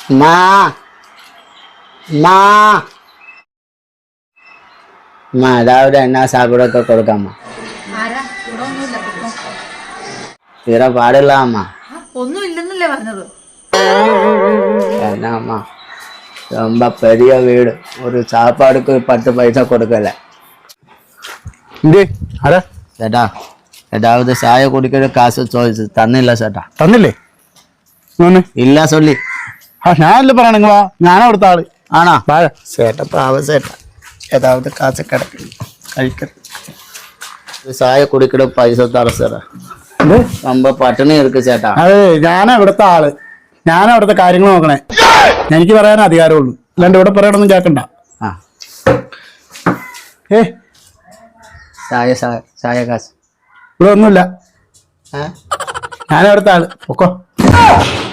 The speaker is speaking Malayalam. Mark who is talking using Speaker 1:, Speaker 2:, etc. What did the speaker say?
Speaker 1: മാ മാ മാ രാവിലെ എന്നാ സാപ്പിടൊക്കെ കൊടുക്കാമ്മ. തീരെ പാടില്ല അമ്മ.
Speaker 2: ഒന്നും ഇല്ലെന്നല്ലേ പറഞ്ഞത്.
Speaker 1: എന്നാ അമ്മ ரொம்ப பெரிய வீடு, ஒரு சாப்பாடுக்கு 10 പൈസ കൊടുക്കല്ലേ. ചേട്ടാ ഏതാവത് ചായ കുടിക്കുന്ന കാശ് ചോദിച്ചു തന്നില്ല ചേട്ടാ.
Speaker 3: തന്നില്ലേ?
Speaker 1: ഇല്ല ചൊല്ലി.
Speaker 3: ഞാനല്ലേ പറയണെങ്ക വാ, ഞാനാ അവിടുത്തെ ആള്.
Speaker 1: ആണോ? ചേട്ടാ പാവ ചേട്ടാ, ഏതാവത് കാശ് കിടക്കുന്നു കഴിക്കണം. ചായ കുടിക്കുന്ന പൈസ തറ ചേട്ടാ. ரொம்ப പട്ടിണി ഇരിക്കു ചേട്ടാ.
Speaker 3: അതെ, ഞാനാ ഇവിടുത്തെ ആള്, ഞാനാ ഇവിടുത്തെ കാര്യങ്ങൾ നോക്കണേ. എനിക്ക് പറയാൻ അധികാരമുള്ളൂ, അല്ലാണ്ട് ഇവിടെ പറയണൊന്നും കേക്കണ്ട.
Speaker 1: ചായ ചായ ചായ കാശ്
Speaker 3: ഇവിടെ ഒന്നുമില്ല. ഞാനാ ഇവിടുത്തെ ആള്, പൊക്കോ.